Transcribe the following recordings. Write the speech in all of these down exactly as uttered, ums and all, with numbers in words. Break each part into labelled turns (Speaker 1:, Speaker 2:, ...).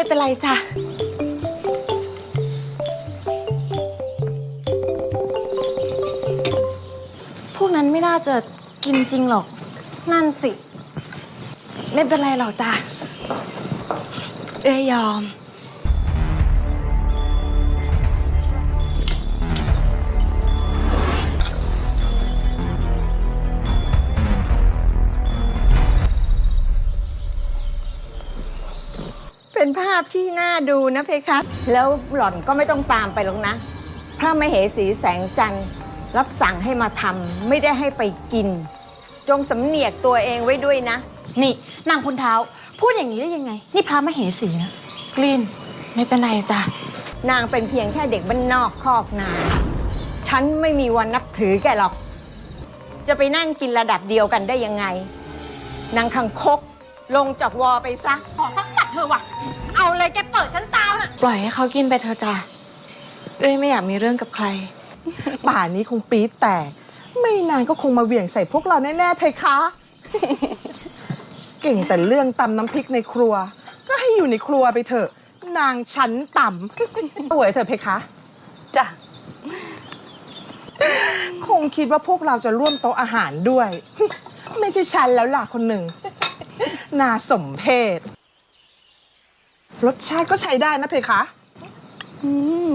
Speaker 1: ไม่เป็นไรจ้ะพวกนั้นไม่น่าจะกินจริงหรอกนั่นสิไม่เป็นไรหรอกจ้ะเอ้ยยอม
Speaker 2: เป็นภาพที่น่าดูนะเพคะแล้วหล่อนก็ไม่ต้องตามไปหรอกนะพระมเหสีแสงจันทร์รับสั่งให้มาทำไม่ได้ให้ไปกินจงสำเนียกตัวเองไว้ด้วยนะ
Speaker 3: นี่นางคุณเท้าพูดอย่างนี้ได้ยังไงนี่พระมเหสีนะ
Speaker 1: กลีนไม่เป็นไรจ้ะ
Speaker 2: นางเป็นเพียงแค่เด็กบ้านนอกคอกนาฉันไม่มีวันนับถือแกหรอกจะไปนั่งกินระดับเดียวกันได้ยังไงนางคังคกลงจากวอไปซะ
Speaker 3: ขอสักตัดเธอว่ะเอาเลยแกเปิดฉันตามน่ะ
Speaker 1: ปล่อยให้เขากินไปเถอะจ้ะเอ้ยไม่อยากมีเรื่องกับใคร
Speaker 4: ป่านนี้คงปี๊ดแตกไม่นานก็คงมาเหวี่ยงใส่พวกเราแน่ๆเพคะ เก่งแต่เรื่องตำน้ำพริกในครัวก็ให้อยู่ในครัวไปเถอะนางชั้นต่ำสวยเถอะเพคะ
Speaker 3: จ้ะ
Speaker 4: คงคิดว่าพวกเราจะร่วมโต๊ะอาหารด้วย ไม่ใช่ฉันแล้วล่ะคนหนึ่งน่าสมเพชรสชาติก็ใช้ได้นะเพคะ
Speaker 3: อืม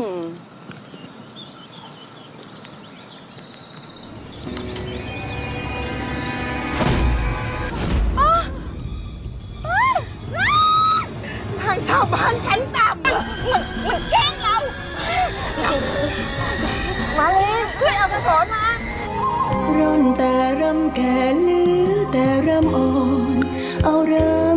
Speaker 4: ทางชาวบ้านชั้นต่ำ
Speaker 3: มันมันแกล้งเรา
Speaker 2: มาลีช่วยเอากระสอนมา
Speaker 5: ร่อนแต่รำแก่เหลือแต่รำอ่อนเอารำ